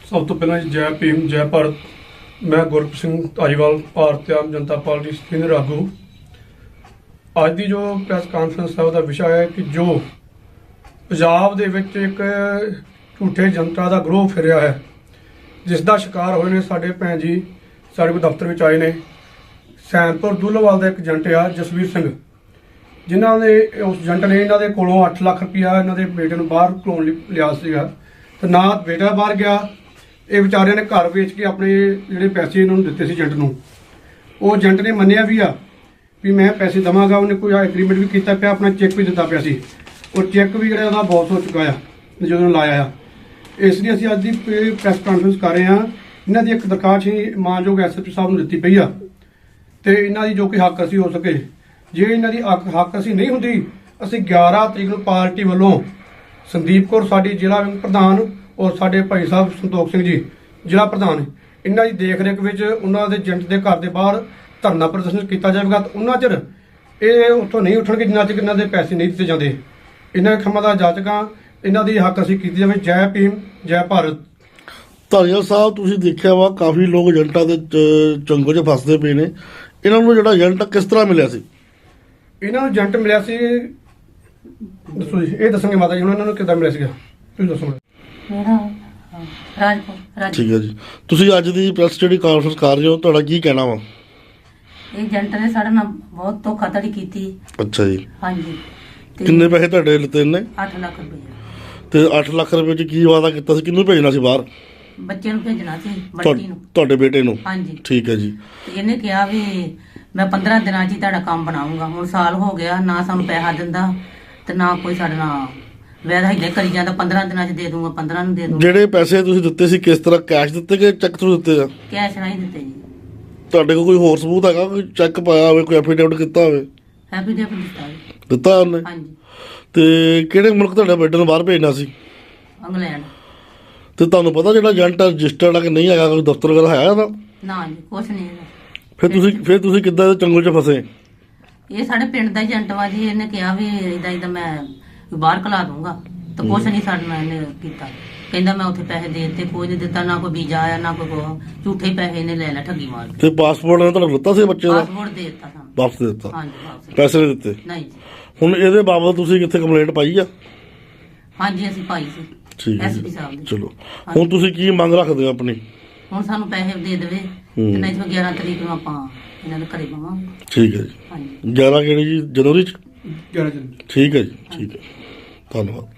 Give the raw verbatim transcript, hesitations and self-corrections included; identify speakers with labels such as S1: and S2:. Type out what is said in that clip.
S1: ਸਭ ਤੋਂ ਪਹਿਲਾਂ ਜੀ ਜੈ ਭੀਮ ਜੈ ਭਾਰਤ। ਮੈਂ ਗੁਰਪ੍ਰੀਤ ਸਿੰਘ ਧਾਰੀਵਾਲ, ਭਾਰਤੀ ਆਮ ਜਨਤਾ ਪਾਰਟੀ ਸੀਨੀਅਰ ਆਗੂ। ਅੱਜ ਦੀ ਜੋ ਪ੍ਰੈਸ ਕਾਨਫਰੰਸ ਹੈ ਉਹਦਾ ਵਿਸ਼ਾ ਹੈ ਕਿ ਜੋ ਪੰਜਾਬ ਦੇ ਵਿੱਚ ਇੱਕ ਝੂਠੇ ਜਨਤਾ ਦਾ ਗਰੋਹ ਫਿਰਿਆ ਹੈ, ਜਿਸ ਦਾ ਸ਼ਿਕਾਰ ਹੋਏ ਨੇ ਸਾਡੇ ਭੈਣ ਜੀ ਸਾਡੇ ਕੋਲ ਦਫ਼ਤਰ ਵਿੱਚ ਆਏ ਨੇ। ਸੈਨਪੁਰ ਦੁੱਲੋਵਾਲ ਦਾ ਇੱਕ ਏਜੰਟ ਆ ਜਸਵੀਰ ਸਿੰਘ, ਜਿਨ੍ਹਾਂ ਨੇ ਉਸ ਏਜੰਟ ਨੇ ਇਹਨਾਂ ਦੇ ਕੋਲੋਂ ਅੱਠ ਲੱਖ ਰੁਪਇਆ ਇਹਨਾਂ ਦੇ ਬੇਟੇ ਨੂੰ ਬਾਹਰ ਘਲਾਉਣ ਲਈ ਲਿਆ ਸੀਗਾ, ਤੇ ਨਾ ਬੇਟਾ ਬਾਹਰ ਗਿਆ। ਇਹ ਵਿਚਾਰਿਆਂ ਨੇ ਘਰ ਵੇਚ ਕੇ ਆਪਣੇ ਜਿਹੜੇ ਪੈਸੇ ਇਹਨਾਂ ਨੂੰ ਦਿੱਤੇ ਸੀ ਏਜੰਟ ਨੂੰ। ਉਹ ਏਜੰਟ ਨੇ ਮੰਨਿਆ ਵੀ ਆ ਵੀ ਮੈਂ ਪੈਸੇ ਦੇਵਾਂਗਾ, ਉਹਨੇ ਕੋਈ ਐਗਰੀਮੈਂਟ ਵੀ ਕੀਤਾ ਪਿਆ, ਆਪਣਾ ਚੈੱਕ ਵੀ ਦਿੱਤਾ ਪਿਆ ਸੀ। ਉਹ ਚੈੱਕ ਵੀ ਜਿਹੜਾ ਉਹਦਾ ਬਾਉਂਸ ਹੋ ਚੁੱਕਾ ਆ ਜਦੋਂ ਲਾਇਆ ਆ। ਇਸ ਲਈ ਅਸੀਂ ਅੱਜ ਦੀ ਪ੍ਰੈਸ ਕਾਨਫਰੰਸ ਕਰ ਰਹੇ ਹਾਂ। ਇਹਨਾਂ ਦੀ ਇੱਕ ਦਰਖਾਸਤ ਹੀ ਮਾਨਯੋਗ ਐਸ ਐਚ ਓ ਸਾਹਿਬ ਨੂੰ ਦਿੱਤੀ ਪਈ ਆ, ਤੇ ਇਹਨਾਂ ਦੀ ਜੋ ਕਿ ਹੱਕ ਅਸੀਂ ਹੋ ਸਕੇ, ਜੇ ਇਹਨਾਂ ਦੀ ਹੱਕ ਹੱਕ ਅਸੀਂ ਨਹੀਂ ਹੁੰਦੀ, ਅਸੀਂ ਗਿਆਰਾਂ ਤਰੀਕ ਨੂੰ ਪਾਰਟੀ ਵੱਲੋਂ ਸੰਦੀਪ ਕੌਰ ਸਾਡੀ ਜ਼ਿਲ੍ਹਾ ਵਿੰਗ ਪ੍ਰਧਾਨ ਔਰ ਸਾਡੇ ਭਾਈ ਸਾਹਿਬ ਸੰਤੋਖ ਸਿੰਘ ਜੀ ਜ਼ਿਲ੍ਹਾ ਪ੍ਰਧਾਨ, ਇਹਨਾਂ ਦੀ ਦੇਖ ਰੇਖ ਵਿੱਚ ਉਹਨਾਂ ਦੇ ਏਜੰਟ ਦੇ ਘਰ ਦੇ ਬਾਹਰ ਧਰਨਾ ਪ੍ਰਦਰਸ਼ਨ ਕੀਤਾ ਜਾਵੇਗਾ। ਤੇ ਉਹਨਾਂ ਚਿਰ ਇਹ ਉੱਥੋਂ ਨਹੀਂ ਉੱਠਣਗੇ ਜਿੰਨਾ ਚਿਰ ਇਹਨਾਂ ਦੇ ਪੈਸੇ ਨਹੀਂ ਦਿੱਤੇ ਜਾਂਦੇ। ਇਹਨਾਂ ਖੰਮਾਂ ਦਾ ਜਾਚਕਾਂ, ਇਹਨਾਂ ਦੀ ਹੱਕ ਅਸੀਂ ਕੀਤੀ ਜਾਵੇ। ਜੈ ਭੀਮ ਜੈ ਭਾਰਤ।
S2: ਧਾਰੀਵਾਲ ਸਾਹਿਬ, ਤੁਸੀਂ ਦੇਖਿਆ ਵਾ ਕਾਫੀ ਲੋਕ ਏਜੰਟਾਂ ਦੇ ਚ- ਚੰਗੋ 'ਚ ਫਸਦੇ ਪਏ ਨੇ। ਇਹਨਾਂ ਨੂੰ ਜਿਹੜਾ ਏਜੰਟ ਕਿਸ ਤਰ੍ਹਾਂ ਮਿਲਿਆ ਸੀ?
S1: ਇਹਨਾਂ ਨੂੰ ਏਜੰਟ ਮਿਲਿਆ ਸੀ, ਦੱਸੋ ਜੀ, ਇਹ ਦੱਸਣਗੇ ਮਾਤਾ ਜੀ ਹੁਣ ਇਹਨਾਂ ਨੂੰ ਕਿੱਦਾਂ ਮਿਲਿਆ ਸੀਗਾ, ਤੁਸੀਂ ਦੱਸੋ।
S3: ਮੇਰਾ ਰਾਜਪੁਰ ਰਾਜ
S2: ਠੀਕ ਹੈ ਜੀ। ਤੁਸੀਂ ਅੱਜ ਦੀ ਪ੍ਰੈਸ ਜਿਹੜੀ ਕਾਨਫਰੰਸ ਕਰ ਰਹੇ ਹੋ, ਤੁਹਾਡਾ ਕੀ ਕਹਿਣਾ ਵਾ?
S3: ਇਹ ਏਜੰਟ ਨੇ ਸਾਡੇ ਨਾਲ ਬਹੁਤ ਧੋਖਾਧੜੀ ਕੀਤੀ।
S2: ਅੱਛਾ ਜੀ।
S3: ਹਾਂਜੀ। ਤੇ
S2: ਕਿੰਨੇ ਪੈਸੇ ਤੁਹਾਡੇ ਲਿੱਤੇ ਨੇ?
S3: ਅੱਠ ਲੱਖ ਰੁਪਏ
S2: ਤੇ ਅੱਠ ਲੱਖ ਰੁਪਏ 'ਚ ਕੀ ਵਾਅਦਾ ਕੀਤਾ ਸੀ? ਕਿਹਨੂੰ ਭੇਜਣਾ ਸੀ ਬਾਹਰ?
S3: ਬੱਚੇ ਨੂੰ ਭੇਜਣਾ ਸੀ,
S2: ਤੁਹਾ-
S3: ਬੱਟੀ ਨੂੰ।
S2: ਤੁਹਾਡੇ ਬੇਟੇ ਨੂੰ?
S3: ਹਾਂਜੀ।
S2: ਠੀਕ ਹੈ ਜੀ।
S3: ਤੇ ਇਹਨੇ ਕਿਹਾ ਵੀ ਮੈਂ ਪੰਦਰਾਂ ਦਿਨਾਂ 'ਚ ਹੀ ਤੁਹਾਡਾ ਕੰਮ ਬਣਾਉਂਗਾ। ਹੁਣ ਸਾਲ ਹੋ ਗਿਆ, ਨਾ ਸਾਨੂੰ ਪੈਸਾ ਦਿੰਦਾ ਤੇ ਨਾ ਕੋਈ ਸਾਡੇ ਨਾਲ ਵੈਦਾ ਹਿੱਲੇ ਕਰੀ ਜਾਂਦਾ। ਪੰਦਰਾਂ ਦਿਨਾਂ 'ਚ ਦੇ ਦੂੰਗਾ, ਪੰਦਰਾਂ ਨੂੰ ਦੇ ਦੂੰਗਾ।
S2: ਜਿਹੜੇ ਪੈਸੇ ਤੁਸੀਂ ਦਿੱਤੇ ਸੀ ਕਿਸ ਤਰ੍ਹਾਂ, ਕੈਸ਼ ਦਿੱਤੇ ਕਿ ਚੈੱਕ ਥਰੂ ਦਿੱਤੇ ਆ?
S3: ਕੈਸ਼ ਨਹੀਂ ਦਿੱਤੇ ਜੀ।
S2: ਤੁਹਾਡੇ ਕੋਲ ਕੋਈ ਹੋਰ ਸਬੂਤ ਹੈਗਾ, ਕੋਈ ਚੈੱਕ ਪਾਇਆ ਹੋਵੇ, ਕੋਈ ਐਫੀਡੇਵਿਟ ਕੀਤਾ ਹੋਵੇ?
S3: ਹੈਪੀ ਡੇ ਦਿੱਤਾ ਜੀ।
S2: ਦਿੱਤਾ ਉਹਨੇ?
S3: ਹਾਂਜੀ।
S2: ਤੇ ਕਿਹੜੇ ਮੁਲਕ ਤੁਹਾਡੇ ਬੇਟੇ ਨੂੰ ਬਾਹਰ ਭੇਜਣਾ ਸੀ?
S3: ਇੰਗਲੈਂਡ।
S2: ਤੇ ਤੁਹਾਨੂੰ ਪਤਾ ਜਿਹੜਾ ਏਜੰਟ ਰਜਿਸਟਰਡ ਆ ਕਿ ਨਹੀਂ ਹੈਗਾ, ਕੋਈ ਦਫ਼ਤਰ ਵਗੈਰਾ ਹੈ ਇਹਦਾ?
S3: ਨਾ ਜੀ, ਕੁਛ ਨਹੀਂ ਹੈਗਾ।
S2: ਫਿਰ ਤੁਸੀਂ ਫਿਰ ਤੁਸੀਂ ਕਿੱਦਾਂ ਇਹਦੇ ਚੰਗਲ 'ਚ ਫਸੇ?
S3: ਇਹ ਸਾਡੇ ਪਿੰਡ ਦਾ ਏਜੰਟ ਵਾ ਜੀ। ਇਹਨੇ ਕਿਹਾ ਵੀ ਇਦਾਂ ਇਦਾਂ ਮੈਂ ਬਾਹਰ ਕਲਾ ਦੂੰਗਾ, ਤੇ ਕੁਛ ਨਹੀਂ ਸਾਡੇ ਨਾਲ ਇਹਨੇ ਕੀਤਾ। ਕਹਿੰਦਾ ਮੈਂ ਉੱਥੇ ਪੈਸੇ ਦੇ ਦਿੱਤੇ, ਕੋਈ ਨਹੀਂ ਦਿੱਤਾ, ਨਾ ਕੋਈ ਵੀਜ਼ਾ ਆਇਆ ਨਾ ਕੋਈ ਕੁਛ। ਝੂਠੇ ਪੈਸੇ ਇਹਨੇ ਲੈ ਲੈ, ਠੱਗੀ ਮਾਰ ਕੇ।
S2: ਤੇ ਪਾਸਪੋਰਟ ਨੇ ਤੁਹਾਨੂੰ ਦਿੱਤਾ ਸੀ ਬੱਚੇ ਦਾ?
S3: ਪਾਸਪੋਰਟ ਦੇ ਦਿੱਤਾ ਸਾਨੂੰ।
S2: ਵਾਪਸ ਦੇ ਦਿੱਤਾ?
S3: ਹਾਂਜੀ, ਵਾਪਸ।
S2: ਪੈਸੇ ਨਹੀਂ ਦਿੱਤੇ?
S3: ਨਹੀਂ ਜੀ।
S2: ਹੁਣ ਇਹਦੇ ਬਾਬਤ ਤੁਸੀਂ ਕਿੱਥੇ ਕੰਪਲੇਂਟ ਪਾਈ ਆ?
S3: ਹਾਂਜੀ, ਅਸੀਂ ਪਾਈ ਸੀ
S2: ਠੀਕ ਹੈ
S3: ਐਸਪੀ
S2: ਜੀ।
S3: ਸਾਹਿਬ ਦੀ।
S2: ਚਲੋ, ਹੁਣ ਤੁਸੀਂ ਕੀ ਮੰਗ ਰੱਖਦੇ ਹੋ ਆਪਣੀ?
S3: ਹੁਣ ਸਾਨੂੰ ਪੈਸੇ ਦੇ ਦੇਵੇ,
S2: ਹੂੰ।
S3: ਤੇ ਨਹੀਂ ਤਾਂ ਗਿਆਰਾਂ ਤਰੀਕ ਨੂੰ ਆਪਾਂ ਇਹਨਾਂ ਦੇ ਘਰੇ ਪਾਵਾਂਗੇ।
S2: ਠੀਕ ਹੈ ਜੀ।
S3: ਹਾਂਜੀ।
S2: ਗਿਆਰਾਂ ਕਿਹੜੀ ਜੀ, ਜਨਵਰੀ 'ਚ?
S1: ਗਿਆਰਾਂ ਜਨ
S2: ਠੀਕ ਹੈ ਜੀ। ਠੀਕ ਹੈ, ਧੰਨਵਾਦ।